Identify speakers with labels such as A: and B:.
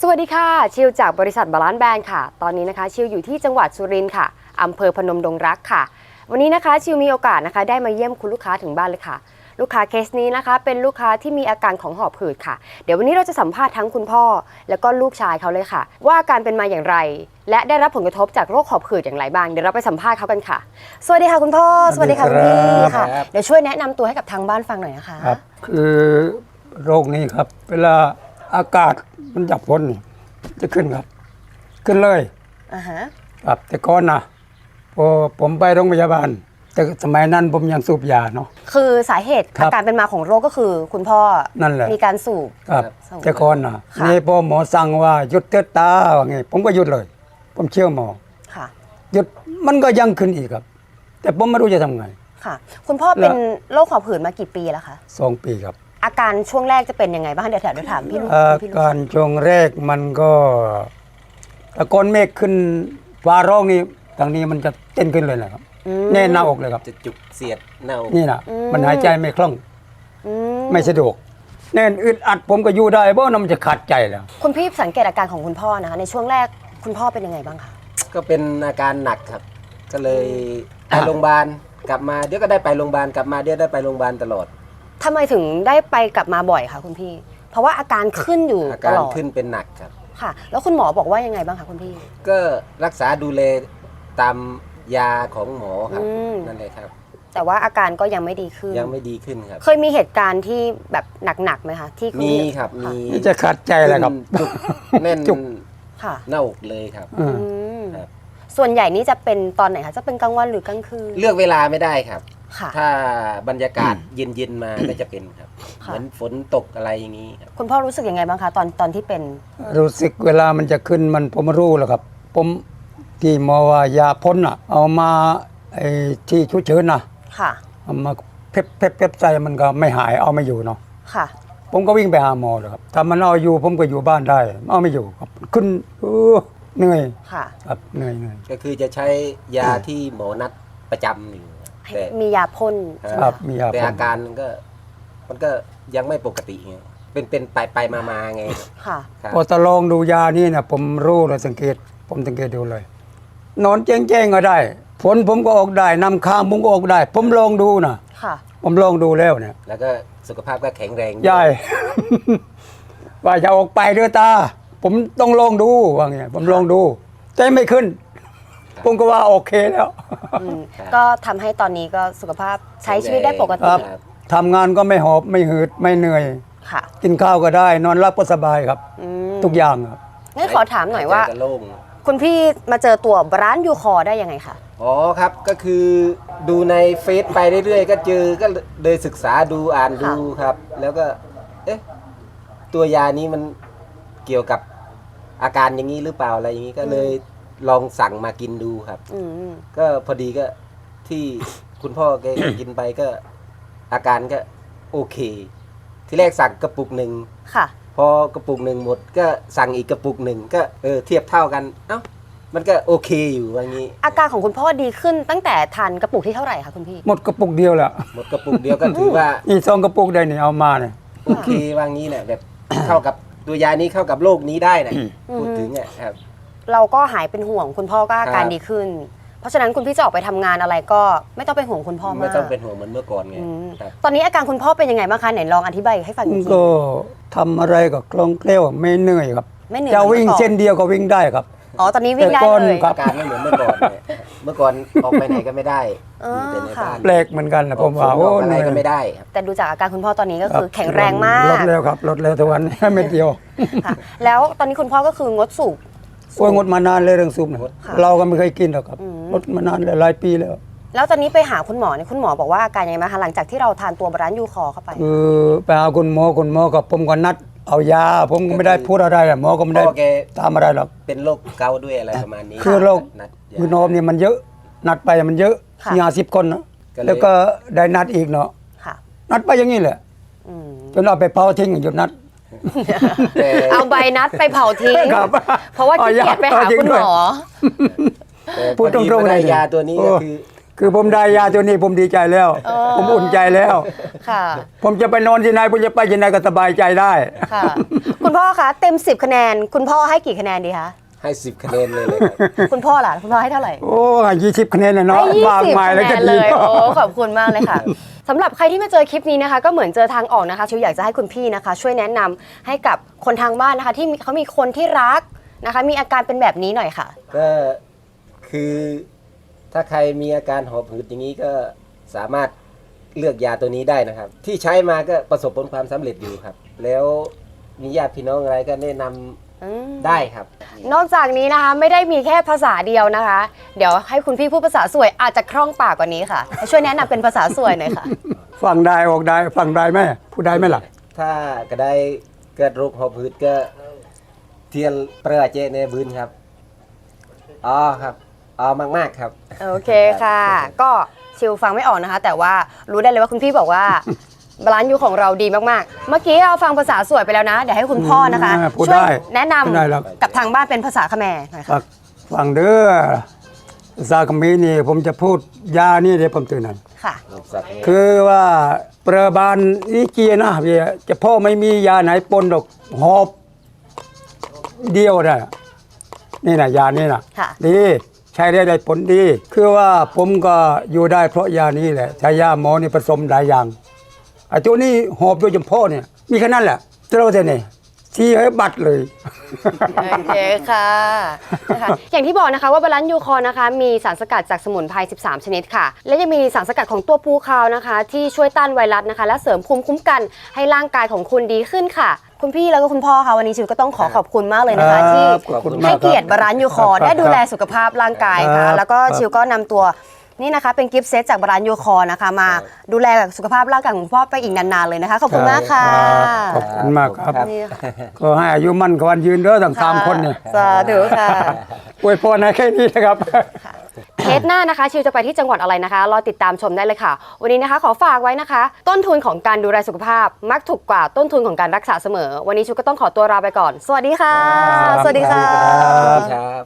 A: วัสดีค่ะชิวจากบริษัทบาลานซ์แบรนด์ค่ะตอนนี้นะคะชิวอยู่ที่จังหวัดสุรินทร์ค่ะอำเภอพนมดงรักค่ะวันนี้นะคะชิวมีโอกาสนะคะได้มาเยี่ยมคุณลูกค้าถึงบ้านเลยค่ะลูกค้าเคสนี้นะคะเป็นลูกค้าที่มีอาการของหอบหืดค่ะเดี๋ยววันนี้เราจะสัมภาษณ์ทั้งคุณพ่อแล้วก็ลูกชายเขาเลยค่ะว่าอาการเป็นมาอย่างไรและได้รับผลกระทบจากโรคหอบหืดอย่างไรบ้างเดี๋ยวเราไปสัมภาษณ์เขากันค่ะสวัสดีค่ะคุณพ่อสวัสดีค่ะคุณพี่ค่ะเดี๋ยวช่วยแนะนำตัวให้กับทางบ้านฟังหน่อยนะคะ
B: ครับคือโรคนี้ครับเวลาอากาศมันจับพ้นนี่จะขึ้นครับขึ้นเลยครับแต่ก่อนนะพอผมไปโรงพยาบาลแต่สมัยนั้นผมยังสูบยาเนาะ
A: คือสาเหตุอาการเป็นมาของโรคก็คือคุณพ่อ
B: นั่นแหละ
A: มีการสูบ
B: ครับแต่ก่อนนะนี่พอหมอสั่งว่าหยุดเตือตาว่าไงผมก็หยุดเลยผมเชื่อหมอหยุดมันก็ยังขึ้นอีกครับแต่ผมไม่รู้จะทำไง
A: ค่ะคุณพ่อเป็นโรคหอบหืดมากี่ปีแล้วคะ
B: 2 ปีครับ
A: อาการช่วงแรกจะเป็นยังไงบ้างเดี๋ยวถามพี่
B: อาการช่วงแรกมันก็ตะกอนเมฆขึ้นฟ้าร้องนี่ทางนี้มันจะเต้นขึ้นเลยนะครับแน่นหน้าอกเลยครับ
C: จะจุกเสียดหน้าอก
B: นี่นะมันหายใจไม่คล่องไม่สะดวกแน่นอึดอัดผมก็อยู่ได้เพราะมันจะขาดใจแล้ว
A: คุณพี่สังเกตอาการของคุณพ่อนะคะในช่วงแรกคุณพ่อเป็นยังไงบ้างคะ
C: ก็เป็นอาการหนักครับก็เลยไปโรงพยาบาลกลับมาเดี๋ยวก็ได้ไปโรงพยาบาลกลับมาเดี๋ยวได้ไปโรงพยาบาลตลอด
A: ทำไมถึงได้ไปกลับมาบ่อยคะคุณพี่เพราะว่าอาการขึ้นอยู่
C: อาการขึ้นเป็นหนักครับ
A: ค่ะแล้วคุณหมอบอกว่ายังไงบ้างคะคุณพี่
C: ก็รักษาดูแลตามยาของหมอครับนั่นเลยครับ
A: แต่ว่าอาการก็ยังไม่ดีขึ้น
C: ยังไม่ดีขึ้นครับ
A: เคยมีเหตุการณ์ที่แบบหนักๆไหมคะที่
C: มีครับมี
B: จะขาดใจแล้วครับ
C: จุกแน่น
A: จุก
C: หน้าอกเลยครับ
A: ส่วนใหญ่นี่จะเป็นตอนไหนคะจะเป็นกลางวันหรือกลางคืน
C: เลือกเวลาไม่ได้ครับถ้าบรรยากาศเย็นๆมาก็จะเป็นครับเหมือนฝนตกอะไรอย่างนี้ครับ
A: คุณพ่อรู้สึกยังไงบ้างคะตอนที่เป็น
B: รู้สึกเวลามันจะขึ้นมันผมรู้แล้วครับผมที่หมอว่ายาพ่นเอามาไอ้ที่ชุดเชิญนะเอามาเพ็บใจมันก็ไม่หายเอาไม่อยู่เนาะผมก็วิ่งไปหาหมอเลยครับถ้ามันเอาอยู่ผมก็อยู่บ้านได้เอาไม่อยู่ครับขึ้นเหนื่อยครับเหนื่อย
C: ก็คือจะใช้ยาที่หมอนัดประจำอยู่
A: แต่มียาพ่น
B: ครับมียา
C: แต่อาการมันก็ยังไม่ปกติไงเป็นไปมาไง
B: พอจะลองดูยานี่นะผมรู้เลยผมสังเกตดูเลยนอนแจ้งก็ได้ฝนผมก็ออกได้น้ำค้างผมก็ออกได้ผมลองดูนะผมลองดูแล้วเนี่ย
C: แล้วก็สุขภาพก็แข็งแรง
B: ใช่ว่าจะออกไปด้วยตาผมต้องลองดูว่าไงผมลองดูใจไม่ขึ้นผมก็ว่าโอเคแล้ว
A: ก็ทำให้ตอนนี้ก็สุขภาพใช้ชีวิตได้ปกติ
B: ทำงานก็ไม่หอบไม่หืดไม่เหนื่อยกินข้าวก็ได้นอนหลับก็สบายครับทุกอย่างครับ
A: งั้นขอถามหน่อยว่าคุณพี่มาเจอตัวร้านยูคอได้ยังไงคะ
C: อ๋อครับก็คือดูในเฟซไปเรื่อยๆก็เจอก็เลยศึกษาดูอ่านดูครับแล้วก็ตัวยานี้มันเกี่ยวกับอาการอย่างนี้หรือเปล่าอะไรอย่างนี้ก็เลยลองสั่งมากินดูครับก็พอดีก็ที่คุณพ่อแกกินไปก็อาการก็โอเคที่แรกสั่งกระปุกหนึ่งพอกระปุกหนึ่งหมดก็สั่งอีกกระปุกหนึ่งก็เทียบเท่ากันมันก็โอเคอยู่ว่างี้
A: อาการของคุณพ่อดีขึ้นตั้งแต่ทานกระปุกที่เท่าไหร่คะคุณพี่
B: หมดกระปุกเดียวแหละ
C: หมดกระปุกเดียวก็ถือว่า
B: อี2 กระปุกได้เนี่ยเอามาเนี่ย
C: โอเคว่างี้เนี่ยแบบเข้ากับตัวยานี้เข้ากับโรคนี้ได้นะพูดถึงครับ
A: เราก็หายเป็นห่วงคุณพ่อก็อาการดีขึ้นเพราะฉะนั้นคุณพี่จะออกไปทำงานอะไรก็ไม่ต้องเป็นห่วงคุณพ่อมาก
C: ไม่ต้องเป็นห่วงเหมือนเมื่อก่อนไง
A: ตอนนี้อาการคุณพ่อเป็นยังไงบ้างคะไหนลองอธิบายให้ฟังหน่อย
B: ก็ทำอะไรก็คล่องแคล่วไม่เหนื่อยครับจะวิ่งเส้นเดียวก็วิ่งได้ครับ
A: อ๋อตอนนี้วิ่งได้เลย
C: อาการไม่เหมือนเมื่อก่อนเมื่อก่อนออกไปไหนก็ไม่ได้
B: แต่ในบ้านแปลกเหมือนกันนะผมว่า
C: อะไรก็ไม่ได้
A: แต่ดูจากอาการคุณพ่อตอนนี้ก็คือแข็งแรงมาก
B: ลดแล้วครับลดแล้วทุกวันไม่เดียว
A: แล้วตอนนี้คุณพ่อก็คืองดสูบ
B: งดมานานเลยเรื่องสูบเราก็ไม่เคยกินหรอกครับงดมานานหลายปีแล้ว
A: ตอนนี้ไปหาคุณหมอเนี่ยคุณหมอบอกว่าอาการยังไงคะหลังจากที่เราทานตัวบร้านยูคอเข้าไป
B: ไปหาคุณหมอกับผมก็นัดเอายาผมก็ไม่ได้พูดอะไรหมอก็ไม่ได้ตามอะไรหรอก
C: เป็นโรคเกาต์ด้วยอะไรประมาณนี้
B: คือโรคคือนมเนี่ยมันเยอะนัดไปมันเยอะ50 คนนะแล้วก็ได้นัดอีกเนาะนัดไปอย่างนี้แหละจนเราไปเผาทิ้งหยุดนัด
A: เอาใบนัดไปเผาทิ้งเพราะว่าขี้เกียจไปหาคุณหมอ
C: พูดตรงๆเลยยาตัวนี้ก็คือ
B: คือผมได้ยาตัวนี้ผมดีใจแล้ว ผมอุ่นใจแล้ว
A: ค่ะ
B: ผมจะไปนอนที่ไหนผมจะไปที่ไหนก็สบายใจได้
A: ค่ะ คุณพ่อคะเต็ม 10 คะแนน คุณพ่อให้กี่คะแนนดีคะ
C: ให้10 คะแนนเลยครับ
A: คุณพ่อล่ะคุณพ่อให้เท่าไหร่
B: โอ้20 คะแนนเลยเนาะ
A: ให้
B: มาก
A: 20
B: มาย
A: คะ
B: แล้ว
A: แน
B: ก็
A: น
B: ดี
A: เลยโอ้ขอบคุณมากเลยค่ะสำหรับใครที่มาเจอคลิปนี้นะคะ ก็เหมือนเจอทางออกนะคะชิวอยากจะให้คุณพี่นะคะ ช่วยแนะนำให้กับคนทางบ้านนะคะ ที่เขามีคนที่รักนะคะ มีอาการเป็นแบบนี้หน่อยค่ะ
C: ก็คือถ้าใครมีอาการหอบหืดอย่างนี้ก็สามารถเลือกยาตัวนี้ได้นะครับ ที่ใช้มาก็ประสบผลความสำเร็จอยู่ครับ แล้วมีญาติพี่น้องอะไรก็แนะนำได้ครับ
A: นอกจากนี้นะคะไม่ได้มีแค่ภาษาเดียวนะคะ เดี๋ยวให้คุณพี่พูดภาษาสวยอาจจะคล่องปากกว่านี้ค่ะช่วยแนะนำเป็นภาษาสวยหน่อยค่ะ
B: ฟังได้ออกได้ฟังได้ไหมพูดได้ไหมล่ะ
C: ถ้าก็ได้เกิดโรคหอบหืดก็เทียนเปรอะเจในบืนครับอ๋อครับอ๋อมากๆครับ
A: โอเคค่ะ ก็ชิวฟังไม่ออกนะคะ แต่ว่ารู้ได้เลยว่าคุณพี่บอกว่า บาลานซ์ยูของเราดีมากๆ เมื่อกี้เราฟังภาษาสวยไปแล้วนะ เดี๋ยวให้คุณพ่อนะคะ
B: พูด
A: ช่วย
B: ได้
A: แนะน
B: พูดได้แล้ว
A: ำกับทางบ้านเป็นภาษาเขมรหน่อยค่ะ
B: ฟังเด้อซากมีนี่ผมจะพูดยานี่เดี๋ยวผมตื่นนั่น
A: ค่ะ
B: คือว่าประบาลอีเกียนะพี่จะพ่อไม่มียาไหนปนดอกหอบเดียวนะนี่นะยานี่นะ
A: ค่ะ
B: ดีใช้ได้ผลดี คือว่าผมก็อยู่ได้เพราะยานี้แหละใช้ยาหมอนี่ผสมหลายอย่างไอ้ตัวนี้หอบโดยเฉพาะเนี่ยมีแค่นั้นแหละเจ้าเท่านี้ที่ให้บัตรเลย
A: โอเคค่ะนะคะอย่างที่บอกนะคะว่าบาลานซ์ยูคอร์นะคะมีสารสกัดจากสมุนไพร 13 ชนิดค่ะ และยังมีสารสกัดของตัวปูคาวนะคะ ที่ช่วยต้านไวรัสนะคะ และเสริมภูมิคุ้มกันให้ร่างกายของคุณดีขึ้นค่ะ คุณพี่แล้วก็คุณพ่อค่ะวันนี้ชิวก็ต้องขอขอบคุณมากเลยนะคะ ที่
B: ขอบคุณมาก
A: ให้เกียรติ
B: ครับ
A: บาลานซ์ยูคอร์ได้ดูแลสุขภาพร่างกายค่ะ
B: ครับ
A: แล้วก็ชิวก็นำตัวนี่นะคะเป็นกิฟต์เซตจากบาลานซ์ยูคอร์นะคะ มาดูแลสุขภาพร่างกายของคุณพ่อไปอีกนานๆเลยนะคะขอบคุณมากค่ะ
B: ขอบคุณมากครับ
A: นี่ค่ะ
B: ก็ให้อายุมั่นขวัญยืนเด้อทั้งสามคนเนี่ย
A: สาธุค่ะ
B: อวยพรให้แค่นี้นะครับ
A: เทปหน้านะคะชิวจะไปที่จังหวัดอะไรนะคะรอติดตามชมได้เลยค่ะ วันนี้นะคะขอฝากไว้นะคะ ต้นทุนของการดูแลสุขภาพ มักถูกกว่าต้นทุนของการรักษาเสมอ วันนี้ชิวก็ต้องขอตัวลาไปก่อน สวัสดีค่ะ
B: ครับ
A: สวัสดีค่ะ
C: ครับ